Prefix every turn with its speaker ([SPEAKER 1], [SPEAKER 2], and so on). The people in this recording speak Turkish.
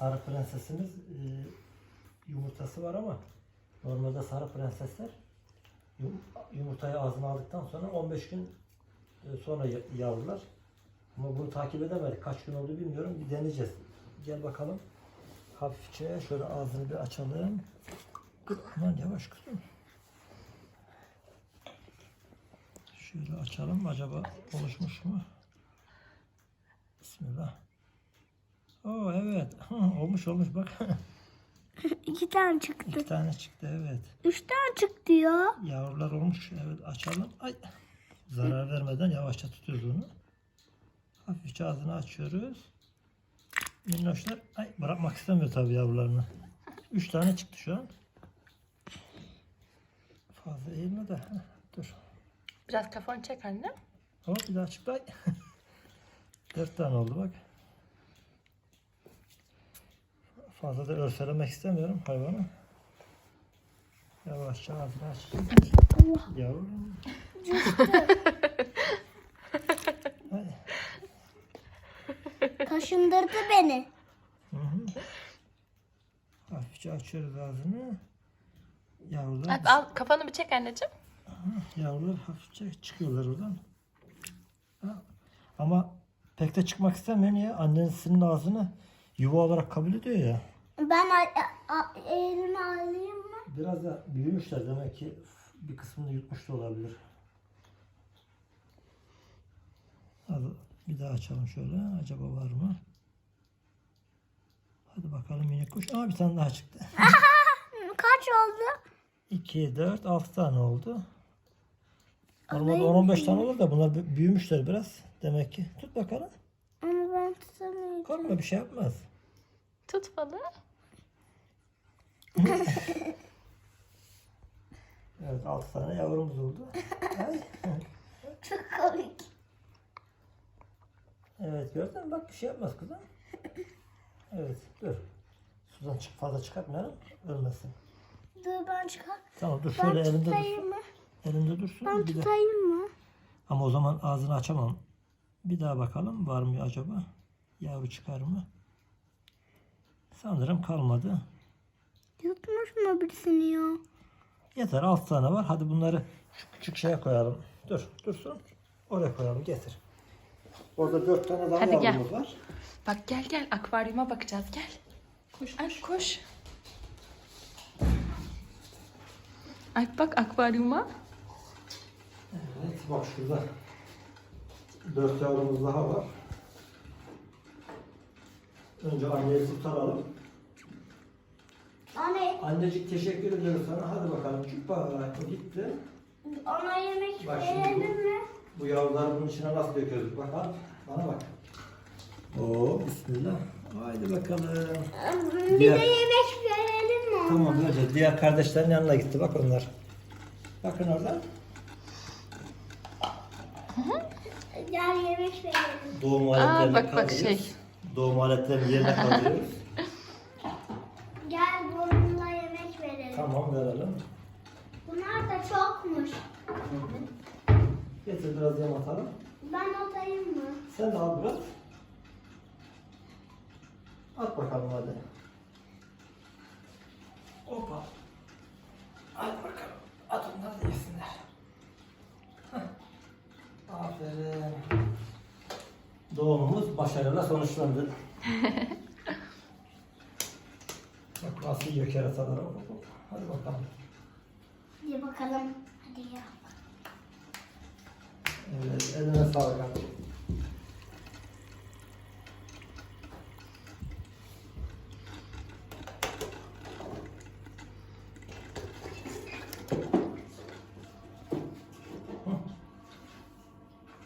[SPEAKER 1] sarı prensesimiz yumurtası var ama normalde sarı prensesler yumurtayı ağzına aldıktan sonra 15 gün sonra yavrular. Ama bunu takip edemedik. Kaç gün oldu bilmiyorum. Bir deneyeceğiz. Gel bakalım. Hafifçe şöyle ağzını bir açalım. Aman yavaş kızım. Şöyle açalım. Acaba oluşmuş mu? Bismillah. Oo evet. Olmuş bak.
[SPEAKER 2] 2 tane çıktı.
[SPEAKER 1] 2 tane çıktı evet.
[SPEAKER 2] 3 tane çıktı ya.
[SPEAKER 1] Yavrular olmuş. Evet açalım. Ay. Zarar vermeden yavaşça tutuyoruz onu. Hafifçe ağzını açıyoruz. Minnoşlar ay bırakmak istemiyor tabii yavrularını. 3 tane çıktı şu an. Fazla eğilme de. Dur.
[SPEAKER 3] Biraz kafanı çek anne.
[SPEAKER 1] Hop bir daha çıktı. Ay. 4 tane oldu bak. Fazla da örselemek istemiyorum hayvanı. Yavaşça ağzını açacağım. Yavrum. Ay.
[SPEAKER 2] Kaşındırdı beni.
[SPEAKER 1] Hı hı. Hafifçe açıyoruz ağzını. Yavrular,
[SPEAKER 3] Al kafanı bir çek anneciğim.
[SPEAKER 1] yavrular hafifçe çıkıyorlar oradan. Ha. Ama pek de çıkmak istemiyor. Niye? Annesinin ağzını yuva olarak kabul ediyor ya.
[SPEAKER 2] Ben elimi alayım mı?
[SPEAKER 1] Biraz da büyümüşler demek ki bir kısmını yutmuş da olabilir. Hadi bir daha açalım şöyle. Acaba var mı? Hadi bakalım minik kuş. Aa bir tane daha çıktı.
[SPEAKER 2] Kaç oldu?
[SPEAKER 1] 2, 4, 6 tane oldu. Normalde
[SPEAKER 2] Alayım
[SPEAKER 1] 10-15 tane olur da bunlar büyümüşler biraz. Demek ki. Tut bakalım.
[SPEAKER 2] Ama ben tutamıyorum.
[SPEAKER 1] Korkma bir şey yapmaz.
[SPEAKER 3] Tut balığı.
[SPEAKER 1] Evet 6 tane yavrumuz oldu. Ay.
[SPEAKER 2] Çok komik.
[SPEAKER 1] Evet gördün mü? Bak bir şey yapmaz kızım. Evet dur. Sudan fazla çıkartmayalım. Ölmesin.
[SPEAKER 2] Dur ben çıkar.
[SPEAKER 1] Tamam dur
[SPEAKER 2] Ben
[SPEAKER 1] şöyle elinde
[SPEAKER 2] tutayım
[SPEAKER 1] dursun.
[SPEAKER 2] mı?
[SPEAKER 1] Elinde dursun.
[SPEAKER 2] Ben
[SPEAKER 1] Bir de-
[SPEAKER 2] tutayım mı?
[SPEAKER 1] Ama o zaman ağzını açamam. Bir daha bakalım var mı acaba? Yavru çıkar mı? Sanırım kalmadı.
[SPEAKER 2] Yutmuş mu birisini ya?
[SPEAKER 1] Yeter 6 tane var. Hadi bunları şu küçük şeye koyalım. Dur dursun. Oraya koyalım getir. Orada 4 tane daha
[SPEAKER 3] Hadi gel.
[SPEAKER 1] yavrumuz var.
[SPEAKER 3] Bak gel akvaryuma bakacağız gel. Koş koş. Alp bak akvaryuma.
[SPEAKER 1] Evet bak şurada 4 yavrumuz daha var. Önce anneyi kurtaralım.
[SPEAKER 2] Anne,
[SPEAKER 1] Annecik teşekkür ediyoruz sana. Hadi bakalım. Çupa gitti.
[SPEAKER 2] ona yemek
[SPEAKER 1] Bak şimdi
[SPEAKER 2] verelim mi?
[SPEAKER 1] bu yavruları bunun içine nasıl döküyoruz? Bak al. Bana bak. Oo bismillah. Haydi bakalım.
[SPEAKER 2] Bir
[SPEAKER 1] Diğer-
[SPEAKER 2] de yemek verelim mi?
[SPEAKER 1] Tamam böyle. Diğer kardeşlerin yanına gitti. Bak onlar. Bakın orada.
[SPEAKER 2] Gel yemek verelim.
[SPEAKER 1] Doğum aletlerini
[SPEAKER 3] bak,
[SPEAKER 1] kaldırıyoruz.
[SPEAKER 3] şey.
[SPEAKER 1] Doğum aletlerini yerine kaldırıyoruz.
[SPEAKER 2] Gel bununla yemek verelim.
[SPEAKER 1] Tamam verelim.
[SPEAKER 2] Bunlar da çokmuş.
[SPEAKER 1] Getir biraz yem atalım.
[SPEAKER 2] Ben atayım mı?
[SPEAKER 1] Sen de al biraz. At bakalım hadi. Hoppa. At bakalım. At onlar da yesinler. Heh. Aferin. Doğumumuz başarıyla sonuçlandı. Bak nasıl yiyor kerataları. Hadi bakalım.
[SPEAKER 2] Hadi bakalım. Hadi ya.
[SPEAKER 1] Evet, eline sağlık abi.